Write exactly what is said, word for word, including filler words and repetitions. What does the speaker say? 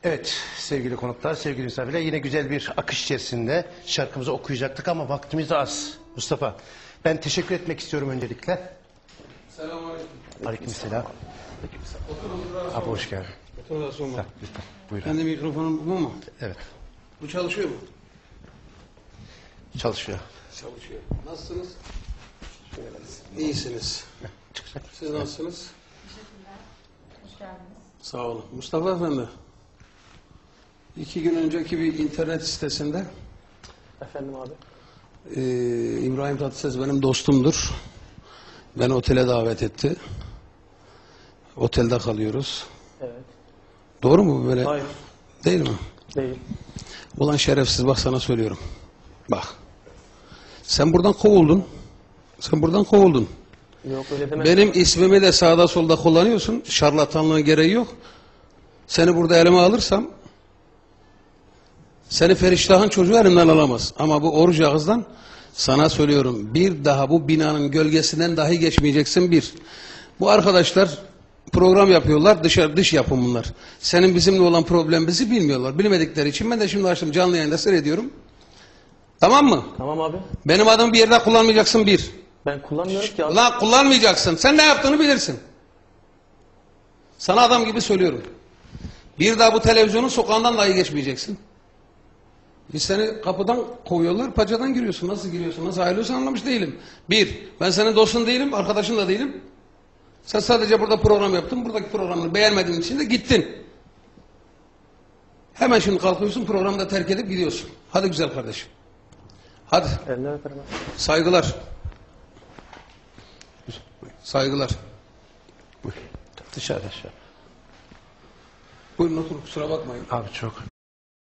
Evet sevgili konuklar, sevgili misafirler, yine güzel bir akış içerisinde şarkımızı okuyacaktık ama vaktimiz az. Mustafa, ben teşekkür etmek istiyorum öncelikle. Selamünaleyküm. Aleykümselam. Abi hoş geldin. Otur da sorma. Lütfen buyurun. Kendi mikrofonum bu mu? Evet, Bu çalışıyor mu? çalışıyor. Çalışıyor. Nasılsınız? İyisiniz. Çıkacak. Siz nasılsınız? Teşekkürler. Hoş geldiniz. Sağ olun. Mustafa Efendi. İki gün önceki bir internet sitesinde Efendim abi. e, İbrahim Tatlıses benim dostumdur. Beni otele davet etti. Otelde kalıyoruz. Evet. Doğru mu bu böyle? Hayır. Değil mi? Değil. Ulan şerefsiz, bak sana söylüyorum. Bak. Sen buradan kovuldun. Sen buradan kovuldun. Yok öyle deme. Benim ismimi de sağda solda kullanıyorsun. Şarlatanlığın gereği yok. Seni burada elime alırsam seni Feriştah'ın çocuğu elimden alamaz. Ama bu oruç ağızdan sana söylüyorum. Bir daha bu binanın gölgesinden dahi geçmeyeceksin bir. Bu arkadaşlar program yapıyorlar. Dışarı dış yapım bunlar. Senin bizimle olan problemimizi bilmiyorlar. Bilmedikleri için ben de şimdi açtım canlı yayında seyrediyorum. Tamam mı? Tamam abi. Benim adımı bir yerde kullanmayacaksın bir. Ben kullanmıyorum ki abi. Ulan kullanmayacaksın. Sen ne yaptığını bilirsin. Sana adam gibi söylüyorum. Bir daha bu televizyonun sokağından dahi geçmeyeceksin. Biz seni kapıdan kovuyorlar, paçadan giriyorsun. Nasıl giriyorsun, nasıl ayrılıyorsun anlamış değilim. Bir, ben senin dostun değilim, arkadaşın da değilim. Sen sadece burada program yaptın, buradaki programını beğenmediğin için de gittin. Hemen şimdi kalkıyorsun, programı da terk edip gidiyorsun. Hadi güzel kardeşim. Hadi, Eline öperim abi. saygılar. Saygılar. Dışarıda şu. Buyurun oturun, kusura bakmayın. Abi çok